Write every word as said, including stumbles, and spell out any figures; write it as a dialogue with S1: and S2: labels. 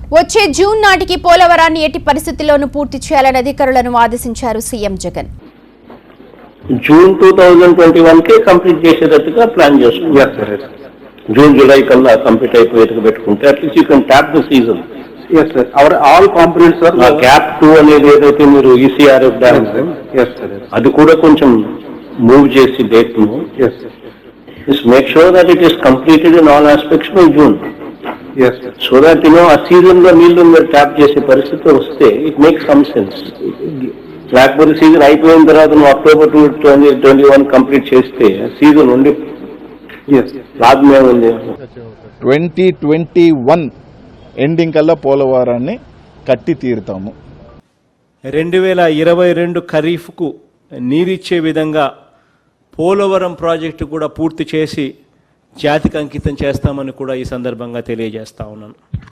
S1: వచ్చే జూన్ నాటికి పోలవరాన్ని ఎట్టి పరిస్థితుల్లోనూ పూర్తి చేయాలని అధికారులను ఆదేశించారు CM Jagan.
S2: June two thousand twenty one కి కంప్లీట్ చేసేటట్టుగా ప్లాన్ చేస్తున్నారు. జూన్ జూలై కల్లా కంప్లీట్ అయిపోయేట్టుగా పెట్టుకుంటే at least you can tap the season.
S3: Yes sir, our all components sir.
S2: Gap too అనేది ఏదైతే మీరు ఈసీఆర్ఎఫ్ డ్యామ్ అది కూడా కొంచెం మూవ్ చేసి డేట్ ను make sure that it is completed in all aspects by June. So that you know ఆ season లో నీళ్లు మీరు ట్యాప్ చేసే పరిస్థితి వస్తే ఇట్ మేక్స్ సమ్ సెన్స్. లేకపోతే సీజన్ అయిపోయిన తర్వాత నువ్వు October two twenty twenty one complete చేస్తే సీజన్ ఉండి లాభమే ఉంది.
S4: ట్వంటీ ట్వంటీ వన్ ఎండింగ్ కల్లా పోలవరాన్ని కట్టి తీరుతాము.
S5: రెండు వేల ఇరవై రెండు ఖరీఫ్కు నీరిచ్చే విధంగా పోలవరం ప్రాజెక్టు కూడా పూర్తి చేసి జాతికి అంకితం చేస్తామని కూడా ఈ సందర్భంగా తెలియజేస్తా ఉన్నాను.